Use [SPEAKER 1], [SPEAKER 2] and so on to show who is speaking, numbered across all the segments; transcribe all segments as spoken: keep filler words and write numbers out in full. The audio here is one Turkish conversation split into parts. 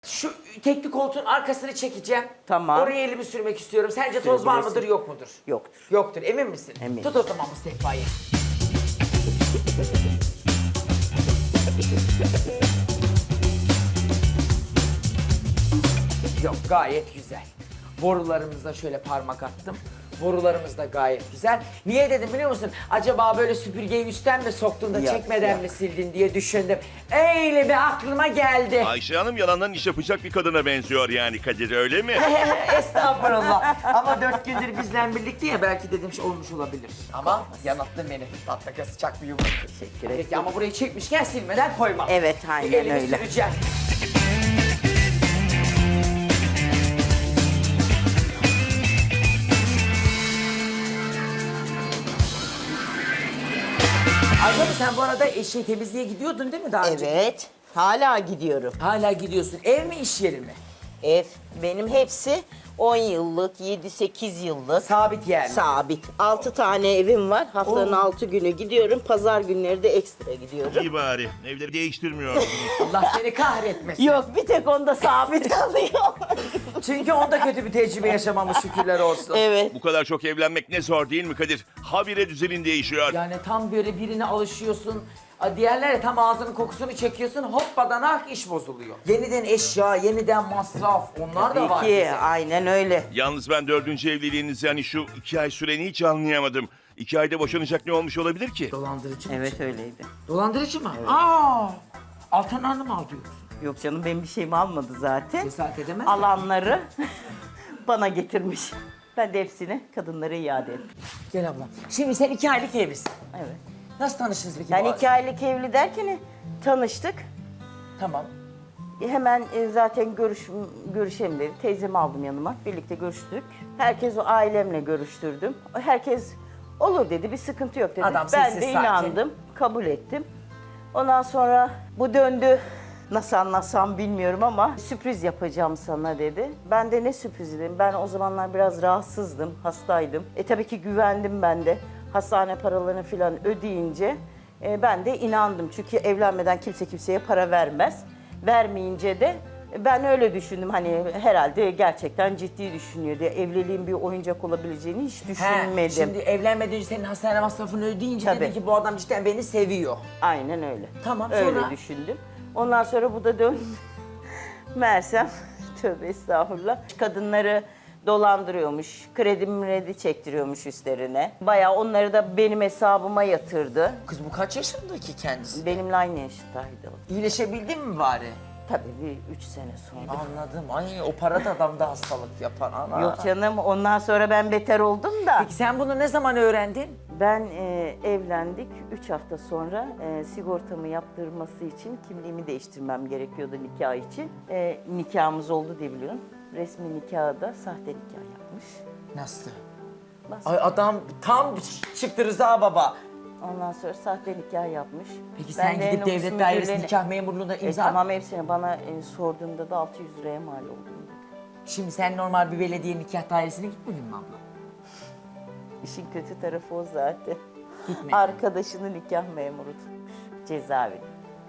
[SPEAKER 1] Şu tekli koltuğun arkasını çekeceğim.
[SPEAKER 2] Tamam.
[SPEAKER 1] Oraya elimi sürmek istiyorum. Sence toz var mıdır, yok mudur?
[SPEAKER 2] Yoktur.
[SPEAKER 1] Yoktur. Emin misin?
[SPEAKER 2] Eminim.
[SPEAKER 1] Tut o zaman bu sehpayı. Yok, gayet güzel. Borularımıza şöyle parmak attım. Borularımız da gayet güzel. Niye dedim biliyor musun? Acaba böyle süpürgeyi üstten mi soktun da
[SPEAKER 2] Yok,
[SPEAKER 1] çekmeden
[SPEAKER 2] yok.
[SPEAKER 1] mi sildin diye düşündüm. Öyle bir aklıma geldi.
[SPEAKER 3] Ayşe Hanım yalandan iş yapacak bir kadına benziyor yani Kadir, öyle mi?
[SPEAKER 1] Estağfurullah. Ama dört gündür bizle birlikte ya, belki dedim şey olmuş olabilir. Ama yanılttın beni. Tatlıka sıcak bir yumruk.
[SPEAKER 2] Teşekkür ederim.
[SPEAKER 1] Peki ama burayı çekmişken silmeden koymam.
[SPEAKER 2] Evet, aynen
[SPEAKER 1] Bir elimi
[SPEAKER 2] öyle.
[SPEAKER 1] süreceğim. Ayşe sen bu arada eşeği temizliğe gidiyordun değil mi daha önce?
[SPEAKER 2] Evet. Hala gidiyorum.
[SPEAKER 1] Hala gidiyorsun. Ev mi, iş yeri mi?
[SPEAKER 2] Ev. Benim hepsi on yıllık, yedi sekiz yıllık.
[SPEAKER 1] Sabit yani.
[SPEAKER 2] Sabit. altı tane evim var. Haftanın
[SPEAKER 1] Oo.
[SPEAKER 2] altı günü gidiyorum. Pazar günleri de ekstra gidiyorum.
[SPEAKER 3] İyi bari. Evleri değiştirmiyorsunuz.
[SPEAKER 1] Allah seni kahretmesin.
[SPEAKER 2] Yok, bir tek onda sabit kalıyor.
[SPEAKER 1] Çünkü onda kötü bir tecrübe yaşamamış, şükürler olsun.
[SPEAKER 2] Evet.
[SPEAKER 3] Bu kadar çok evlenmek ne zor değil mi Kadir? Habire düzenin değişiyor.
[SPEAKER 1] Yani tam böyle birine alışıyorsun. a, Diğerleri tam ağzının kokusunu çekiyorsun. Hoppadanak iş bozuluyor. Yeniden eşya, yeniden masraf. Onlar da var.
[SPEAKER 2] Tabii ki,
[SPEAKER 1] bize.
[SPEAKER 2] aynen öyle.
[SPEAKER 3] Yalnız ben dördüncü evliliğinizi hani şu iki ay süreni hiç anlayamadım. İki ayda boşanacak ne olmuş olabilir ki?
[SPEAKER 1] Dolandırıcı mı?
[SPEAKER 2] Evet, öyleydi.
[SPEAKER 1] Dolandırıcı mı? Aa! Altan Hanım mı alıyorsun?
[SPEAKER 2] Yok canım, benim bir şeyimi almadı zaten.
[SPEAKER 1] Cesaret edemez mi?
[SPEAKER 2] Alanları bana getirmiş. Ben de hepsini kadınlara iade ettim.
[SPEAKER 1] Gel ablam. Şimdi sen iki aylık evlisin.
[SPEAKER 2] Evet.
[SPEAKER 1] Nasıl tanıştınız peki?
[SPEAKER 2] Yani
[SPEAKER 1] bu
[SPEAKER 2] iki aylık evli derken tanıştık.
[SPEAKER 1] Tamam.
[SPEAKER 2] Hemen e, zaten görüş, görüşelim dedi. Teyzemi aldım yanıma. Birlikte görüştük. Herkes o ailemle görüştürdüm. Herkes olur dedi. Bir sıkıntı yok dedi.
[SPEAKER 1] Adam
[SPEAKER 2] ben
[SPEAKER 1] sessiz,
[SPEAKER 2] de
[SPEAKER 1] sakin.
[SPEAKER 2] inandım. Kabul ettim. Ondan sonra bu döndü. Nasıl anlatsam bilmiyorum ama sürpriz yapacağım sana dedi. Ben de ne sürprizi dedim. Ben o zamanlar biraz rahatsızdım, hastaydım. E tabii ki güvendim ben de. Hastane paralarını falan ödeyince e, ben de inandım. Çünkü evlenmeden kimse kimseye para vermez. Vermeyince de ben öyle düşündüm, hani herhalde gerçekten ciddi düşünüyor diye. Evliliğin bir oyuncak olabileceğini hiç
[SPEAKER 1] He,
[SPEAKER 2] düşünmedim.
[SPEAKER 1] şimdi evlenmeden önce senin hastane masrafını ödeyince
[SPEAKER 2] Tabii.
[SPEAKER 1] dedin ki bu adam cidden beni seviyor.
[SPEAKER 2] Aynen öyle.
[SPEAKER 1] Tamam,
[SPEAKER 2] Öyle
[SPEAKER 1] sonra?
[SPEAKER 2] düşündüm. Ondan sonra bu da dön. Meğersem tövbe estağfurullah. Kadınları dolandırıyormuş. Kredi mredi çektiriyormuş üstlerine. Bayağı onları da benim hesabıma yatırdı.
[SPEAKER 1] Kız bu kaç yaşındaki kendisi?
[SPEAKER 2] Benimle aynı yaştaydı o.
[SPEAKER 1] İyileşebildin mi bari?
[SPEAKER 2] Tabii bir üç sene sonra.
[SPEAKER 1] Anladım. Ay o para da adamda hastalık yapar ana.
[SPEAKER 2] Yok canım, ondan sonra ben beter oldum da.
[SPEAKER 1] Peki sen bunu ne zaman öğrendin?
[SPEAKER 2] Ben e, evlendik. Üç hafta sonra e, sigortamı yaptırması için kimliğimi değiştirmem gerekiyordu nikah için. E, nikahımız oldu diye biliyorum. Resmi nikahı da sahte nikah yapmış.
[SPEAKER 1] Nasıl?
[SPEAKER 2] Nasıl?
[SPEAKER 1] Ay adam tam çıktı Rıza baba.
[SPEAKER 2] Ondan sonra sahte nikah yapmış.
[SPEAKER 1] Peki
[SPEAKER 2] Ben
[SPEAKER 1] sen
[SPEAKER 2] de
[SPEAKER 1] gidip
[SPEAKER 2] nüfus
[SPEAKER 1] devlet dairesi
[SPEAKER 2] müdürlüğüne-
[SPEAKER 1] nikah memurluğuna
[SPEAKER 2] E,
[SPEAKER 1] imza
[SPEAKER 2] tamam hepsine bana e, sorduğumda da altı yüz liraya mal oldum dedi.
[SPEAKER 1] Şimdi sen normal bir belediye nikah dairesine gitmedin mi abla?
[SPEAKER 2] İşin kötü tarafı o zaten.
[SPEAKER 1] Gitmedin.
[SPEAKER 2] Arkadaşını nikah memuru tutmuş. Cezaevi.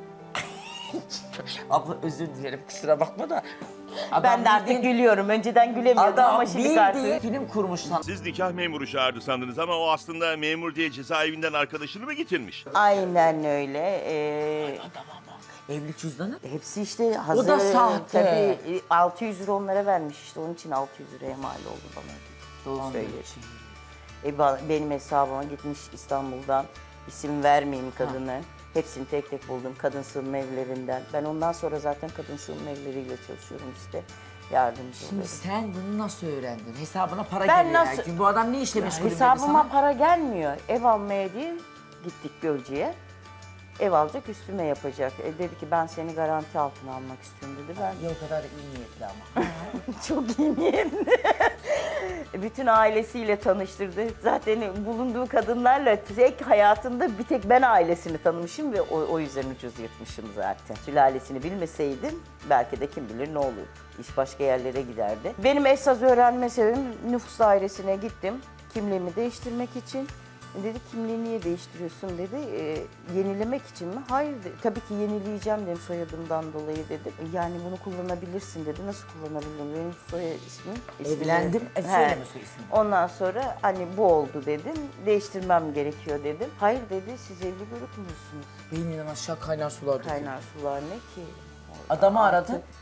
[SPEAKER 1] Abla özür dilerim, kusura bakma da. Adam
[SPEAKER 2] Ben de artık
[SPEAKER 1] bildiğin-
[SPEAKER 2] gülüyorum. Önceden gülemiyordum
[SPEAKER 1] Adam
[SPEAKER 2] ama şimdi
[SPEAKER 1] bildiğin
[SPEAKER 2] artık...
[SPEAKER 1] film kurmuş sana.
[SPEAKER 3] Siz nikah memuru çağırdı sandınız ama o aslında memur diye cezaevinden arkadaşını mı getirmiş?
[SPEAKER 2] Aynen öyle. Ee,
[SPEAKER 1] Adama bak. Evlilik cüzdanı.
[SPEAKER 2] hepsi işte hazır.
[SPEAKER 1] da sahte.
[SPEAKER 2] Tabii e, altı yüz lira onlara vermiş işte. Onun için altı yüz liraya mal oldu bana.
[SPEAKER 1] Dolandırıcı.
[SPEAKER 2] E, ba- benim hesabıma gitmiş İstanbul'dan. İsim vermeyeyim kadını. Hepsini tek tek buldum kadın sığınma evlerinden. Ben ondan sonra zaten kadın sığınma evleriyle çalışıyorum işte. Yardımcı
[SPEAKER 1] Şimdi
[SPEAKER 2] oluyorum.
[SPEAKER 1] sen bunu nasıl öğrendin? Hesabına para
[SPEAKER 2] Ben
[SPEAKER 1] geliyor
[SPEAKER 2] nasıl-
[SPEAKER 1] yani. Bu adam ne işle meşgul dedi
[SPEAKER 2] Hesabıma
[SPEAKER 1] sana?
[SPEAKER 2] para gelmiyor. Ev almaya diye gittik Gölcük'e. Ev alacak, üstüme yapacak. E, dedi ki ben seni garanti altına almak istiyorum dedi. Ben
[SPEAKER 1] Ya o kadar iyi niyetli ama.
[SPEAKER 2] çok iyi niyetli. Bütün ailesiyle tanıştırdı. Zaten bulunduğu kadınlarla tek hayatında bir tek ben ailesini tanımışım ve o, o yüzden ucuz yırtmışım zaten. Sülalesini bilmeseydim belki de kim bilir ne olurdu. İş başka yerlere giderdi. Benim esas öğrenme sebebim nüfus dairesine gittim. Kimliğimi değiştirmek için. Dedi kimliği niye değiştiriyorsun dedi. E, yenilemek için mi? Hayır dedi. Tabii ki yenileyeceğim dedim soyadımdan dolayı dedim. Yani bunu kullanabilirsin dedi. Nasıl kullanabilirim? Benim soy ismim. ismim
[SPEAKER 1] Evlendim. E,
[SPEAKER 2] He.
[SPEAKER 1] söyleme soy ismini.
[SPEAKER 2] Ondan sonra hani bu oldu dedim. Değiştirmem gerekiyor dedim. Hayır dedi siz evli görüp musunuz?
[SPEAKER 1] Beyninden aşağı kaynar sular döküyor.
[SPEAKER 2] Kaynar sular ne ki?
[SPEAKER 1] Adamı
[SPEAKER 2] Artık-
[SPEAKER 1] aradın.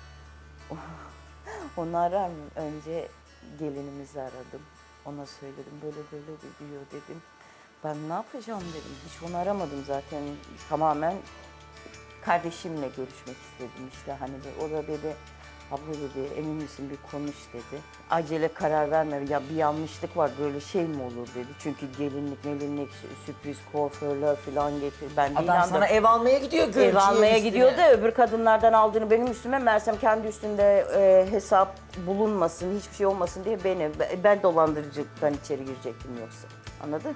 [SPEAKER 2] Onu arar mı? Önce gelinimizi aradım. Ona söyledim böyle böyle diyor dedim. Ben ne yapacağım dedim. Hiç onu aramadım zaten. Tamamen kardeşimle görüşmek istedim işte. Hani de- o da dedi abla dedi emin misin bir konuş dedi. Acele karar verme ya bir yanlışlık var böyle şey mi olur dedi. Çünkü gelinlik melinlik sürpriz kuaförler falan getir. Ben de
[SPEAKER 1] Adam
[SPEAKER 2] inandım.
[SPEAKER 1] sana ev almaya gidiyor görücüye
[SPEAKER 2] Ev almaya
[SPEAKER 1] üstüne.
[SPEAKER 2] gidiyor da öbür kadınlardan aldığını benim üstüme meğersem kendi üstünde e, hesap bulunmasın, hiçbir şey olmasın diye beni, ben dolandırıcılıktan içeri girecektim yoksa. Anladın?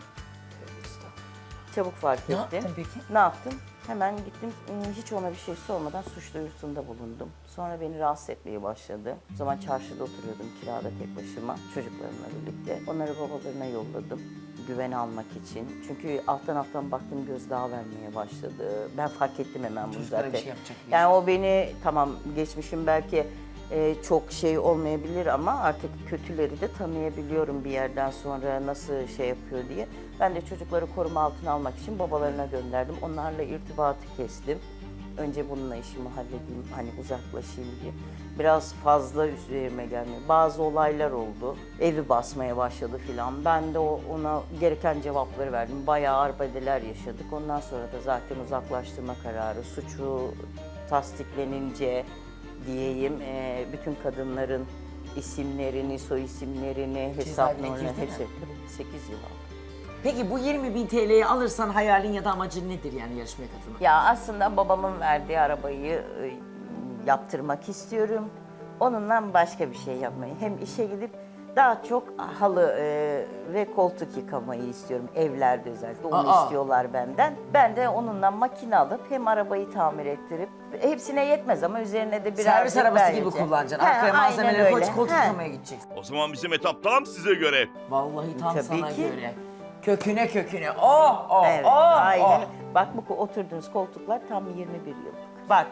[SPEAKER 2] Çabuk fark
[SPEAKER 1] Ne
[SPEAKER 2] ettim.
[SPEAKER 1] yaptın peki?
[SPEAKER 2] Ne yaptım? Hemen gittim, ıı, hiç ona bir şey sormadan suç duyurusunda bulundum. Sonra beni rahatsız etmeye başladı. O zaman çarşıda oturuyordum kirada tek başıma, çocuklarımla birlikte. Onları babalarına yolladım, güven almak için. Çünkü alttan alttan baktım gözdağı vermeye başladı. Ben fark ettim hemen bunu
[SPEAKER 1] Çocuklara
[SPEAKER 2] zaten.
[SPEAKER 1] bir şey yapacak diye.
[SPEAKER 2] Yani o beni, tamam geçmişim belki e, çok şey olmayabilir ama artık kötüleri de tanıyabiliyorum bir yerden sonra nasıl şey yapıyor diye. Ben de çocukları koruma altına almak için babalarına gönderdim. Onlarla irtibatı kestim. Önce bununla işimi halledeyim, hani uzaklaşayım diye. Biraz fazla üzerime gelmiyor. Bazı olaylar oldu. Evi basmaya başladı filan. Ben de o, ona gereken cevapları verdim. Bayağı arbedeler yaşadık. Ondan sonra da zaten uzaklaştırma kararı, suçu tasdiklenince diyeyim, e, bütün kadınların isimlerini, soy isimlerini, hesap
[SPEAKER 1] Cezaevine
[SPEAKER 2] numaralarını
[SPEAKER 1] girdi mi?
[SPEAKER 2] hepsi sekiz yıl aldı.
[SPEAKER 1] Peki bu yirmi bin T L'yi alırsan hayalin ya da amacın nedir yani yarışmaya katılmak?
[SPEAKER 2] Ya aslında babamın verdiği arabayı e, yaptırmak istiyorum. Onunla başka bir şey yapmayı. Hem işe gidip daha çok halı e, ve koltuk yıkamayı istiyorum. Evlerde özellikle onu
[SPEAKER 1] Aa.
[SPEAKER 2] istiyorlar benden. Ben de onunla makine alıp hem arabayı tamir ettirip hepsine yetmez ama üzerine de biraz
[SPEAKER 1] Servis arabası gibi kullanacaksın. Arkaya malzemeleri koy, koltuk yıkamaya gideceksin.
[SPEAKER 3] O zaman bizim etap tam size göre.
[SPEAKER 1] Vallahi tam
[SPEAKER 2] Tabii
[SPEAKER 1] sana
[SPEAKER 2] ki.
[SPEAKER 1] göre. Köküne köküne. Oh oh
[SPEAKER 2] Evet,
[SPEAKER 1] oh
[SPEAKER 2] aynen.
[SPEAKER 1] oh.
[SPEAKER 2] Bak bu oturduğunuz koltuklar tam yirmi bir yıllık. Bak.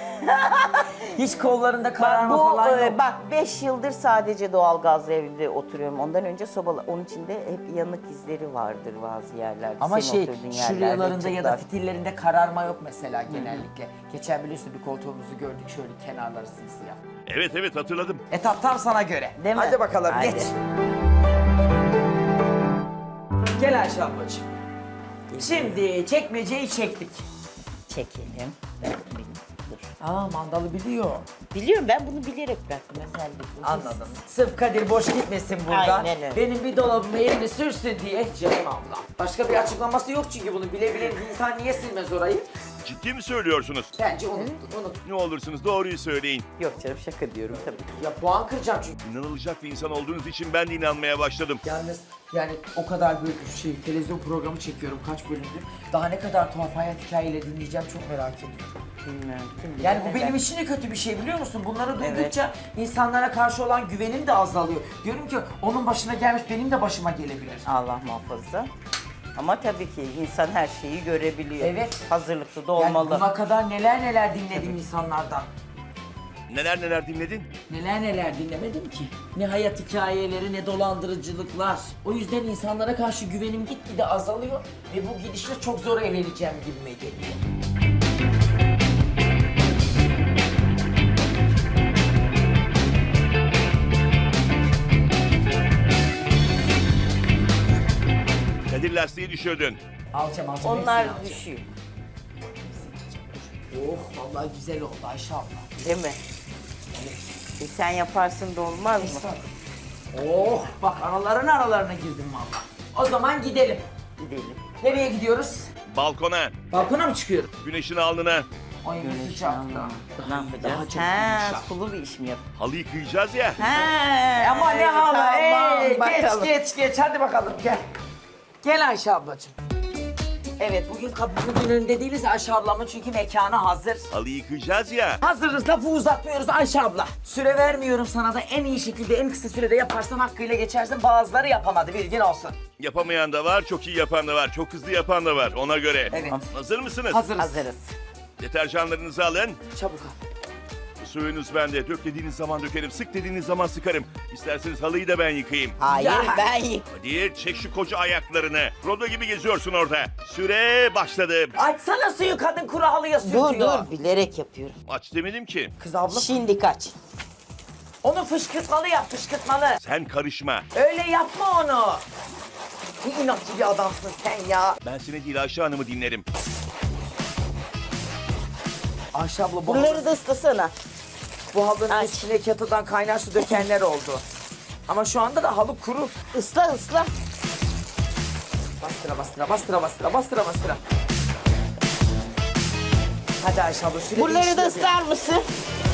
[SPEAKER 1] Hiç kollarında
[SPEAKER 2] Bak
[SPEAKER 1] kararma
[SPEAKER 2] bu
[SPEAKER 1] falan
[SPEAKER 2] e,
[SPEAKER 1] yok.
[SPEAKER 2] bak beş yıldır sadece doğalgazlı evde oturuyorum. Ondan önce sobalı. Onun içinde hep yanık izleri vardır bazı yerlerde.
[SPEAKER 1] Ama
[SPEAKER 2] Senin
[SPEAKER 1] şey
[SPEAKER 2] oturduğun yerlerde
[SPEAKER 1] şuralarında ya da
[SPEAKER 2] çıklar.
[SPEAKER 1] fitillerinde kararma yok mesela genellikle. Geçen biliyorsun bir koltuğumuzu gördük şöyle kenarları simsiyah.
[SPEAKER 3] Evet evet hatırladım.
[SPEAKER 1] Etap tam sana göre.
[SPEAKER 2] Değil mi?
[SPEAKER 1] Hadi bakalım
[SPEAKER 2] Hadi.
[SPEAKER 1] geç. Gel Ayşe ablacığım. Şimdi çekmeceyi çektik.
[SPEAKER 2] Çekelim. Ben bil- dur.
[SPEAKER 1] Aa mandalı biliyor.
[SPEAKER 2] Biliyorum ben bunu bilerek bıraktım özellikle.
[SPEAKER 1] Anladım. Sırf Kadir boş gitmesin burada.
[SPEAKER 2] Aynen öyle.
[SPEAKER 1] Benim bir dolabıma elini sürsün diye canım abla. Başka bir açıklaması yok çünkü bunu bile bile bir insan niye silmez orayı?
[SPEAKER 3] Ciddi mi söylüyorsunuz?
[SPEAKER 1] Bence unuttun, unut.
[SPEAKER 3] Ne olursunuz doğruyu söyleyin.
[SPEAKER 2] Yok canım şaka diyorum tabii.
[SPEAKER 1] Ya puan kıracağım çünkü.
[SPEAKER 3] İnanılacak bir insan olduğunuz için ben de inanmaya başladım.
[SPEAKER 1] Yalnız yani o kadar büyük bir şey, televizyon programı çekiyorum kaç bölümdür. Daha ne kadar tuhaf hayat hikayeleri dinleyeceğim çok merak ediyorum.
[SPEAKER 2] Bilmiyorum. kim bilir
[SPEAKER 1] Yani bu
[SPEAKER 2] neler.
[SPEAKER 1] benim için de kötü bir şey biliyor musun? Bunları duydukça insanlara karşı olan güvenim de azalıyor. Diyorum ki onun başına gelmiş benim de başıma gelebilir.
[SPEAKER 2] Allah muhafaza. Ama tabii ki insan her şeyi görebiliyor.
[SPEAKER 1] Evet.
[SPEAKER 2] Hazırlıklı da
[SPEAKER 1] Yani
[SPEAKER 2] olmalı.
[SPEAKER 1] buna kadar neler neler dinledim insanlardan.
[SPEAKER 3] Neler neler dinledin?
[SPEAKER 1] Neler neler dinlemedim ki. Ne hayat hikayeleri ne dolandırıcılıklar. O yüzden insanlara karşı güvenim gitgide azalıyor ve bu gidişle çok zor evleneceğim gibime geliyor.
[SPEAKER 3] Kadir lastiği düşürdün.
[SPEAKER 1] Alacağım alacağım.
[SPEAKER 2] Onlar
[SPEAKER 1] hepsini alacağım.
[SPEAKER 2] düşüyor.
[SPEAKER 1] Oh vallahi güzel oldu Ayşe abla.
[SPEAKER 2] Değil mi? E sen yaparsın da olmaz mı?
[SPEAKER 1] Oh bak araların aralarına girdim vallahi. O zaman gidelim.
[SPEAKER 2] Gidelim.
[SPEAKER 1] Nereye gidiyoruz?
[SPEAKER 3] Balkona,
[SPEAKER 1] Balkona mı çıkıyoruz?
[SPEAKER 3] güneşin alnına,
[SPEAKER 1] Ay bu
[SPEAKER 2] Güneşin
[SPEAKER 1] sıcakta.
[SPEAKER 2] alnına. Ne
[SPEAKER 1] Daha,
[SPEAKER 2] yapacağız?
[SPEAKER 1] daha çok
[SPEAKER 2] Ha,
[SPEAKER 1] yumuşak.
[SPEAKER 2] sulu bir iş mi yap?
[SPEAKER 3] halı yıkayacağız ya.
[SPEAKER 2] Ha,
[SPEAKER 1] Ama ne
[SPEAKER 2] evet,
[SPEAKER 1] halı?
[SPEAKER 2] tamam,
[SPEAKER 1] Ey, geç
[SPEAKER 2] bakalım.
[SPEAKER 1] geç geç hadi bakalım gel. Gel Ayşe ablacığım. Evet, bugün kapımın önünde değiliz Ayşe ablamın çünkü mekanı hazır.
[SPEAKER 3] Halı yıkayacağız ya.
[SPEAKER 1] Hazırız, lafı uzatmıyoruz Ayşe abla. Süre vermiyorum sana da en iyi şekilde en kısa sürede yaparsan hakkıyla geçersin. Bazıları yapamadı, bilgin olsun.
[SPEAKER 3] Yapamayan da var, çok iyi yapan da var, çok hızlı yapan da var. Ona göre.
[SPEAKER 1] Evet.
[SPEAKER 3] Hazır mısınız?
[SPEAKER 1] Hazırız.
[SPEAKER 2] Hazırız.
[SPEAKER 3] Deterjanlarınızı alın.
[SPEAKER 1] Çabuk al.
[SPEAKER 3] Suyunuz bende. Dök dediğiniz zaman dökerim. Sık dediğiniz zaman sıkarım. İsterseniz halıyı da ben yıkayayım.
[SPEAKER 2] Hayır
[SPEAKER 1] Ya.
[SPEAKER 2] ben yık.
[SPEAKER 3] Hadi çek şu koca ayaklarını. Rodo gibi geziyorsun orada. Süre başladı.
[SPEAKER 1] Açsana suyu, kadın kuru halıya sürtüyor.
[SPEAKER 2] Dur dur bilerek yapıyorum.
[SPEAKER 3] Aç demedim ki.
[SPEAKER 1] Kız abla,
[SPEAKER 2] Şimdi kaç.
[SPEAKER 1] onu fışkırtmalı yap, fışkırtmalı.
[SPEAKER 3] Sen karışma.
[SPEAKER 1] Öyle yapma onu. Ne inatçı bir adamsın sen ya.
[SPEAKER 3] Ben seni değil Ayşe Hanım'ı dinlerim.
[SPEAKER 1] Ayşe abla bu,
[SPEAKER 2] Bunları
[SPEAKER 1] halı,
[SPEAKER 2] da ıslasana.
[SPEAKER 1] bu halının
[SPEAKER 2] Aç.
[SPEAKER 1] üstüne kettle'dan kaynar su dökenler oldu. Ama şu anda da halı kuru.
[SPEAKER 2] Isla ısla.
[SPEAKER 1] Bastıra bastıra bastıra bastıra bastıra bastıra. Hadi Ayşe abla süre
[SPEAKER 2] Bunları da
[SPEAKER 1] değişti.
[SPEAKER 2] ıslar mısın?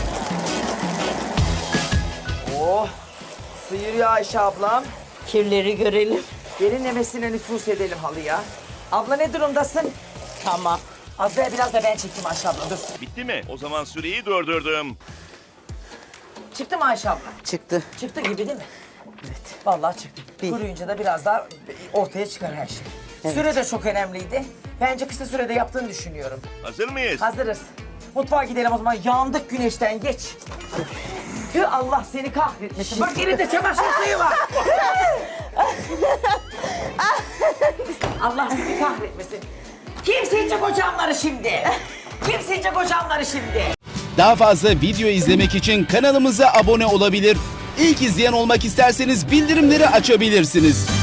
[SPEAKER 1] Oh. Sıyırıyor Ayşe ablam.
[SPEAKER 2] Kirleri görelim.
[SPEAKER 1] Derinlemesine nüfus edelim halıya. Abla ne durumdasın?
[SPEAKER 2] Tamam.
[SPEAKER 1] Az daha biraz da ben çekeyim Ayşe abla, dur.
[SPEAKER 3] Bitti mi? O zaman süreyi durdurdum.
[SPEAKER 1] Çıktı mı Ayşe abla?
[SPEAKER 2] Çıktı.
[SPEAKER 1] Çıktı gibi değil mi?
[SPEAKER 2] Evet.
[SPEAKER 1] Vallahi çıktı.
[SPEAKER 2] Değil.
[SPEAKER 1] Kuruyunca da biraz daha ortaya çıkar her şey.
[SPEAKER 2] Evet.
[SPEAKER 1] Süre de çok önemliydi. Bence kısa sürede yaptığını düşünüyorum.
[SPEAKER 3] Hazır mıyız?
[SPEAKER 1] Hazırız. Mutfağa gidelim o zaman. Yandık güneşten, geç. Tüh, Allah seni kahretmesin. Bak elinde çamaşır suyu var. Allah seni kahretmesin. Kim silecek o camları şimdi? Kim silecek o camları şimdi?
[SPEAKER 4] Daha fazla video izlemek için kanalımıza abone olabilir. İlk izleyen olmak isterseniz bildirimleri açabilirsiniz.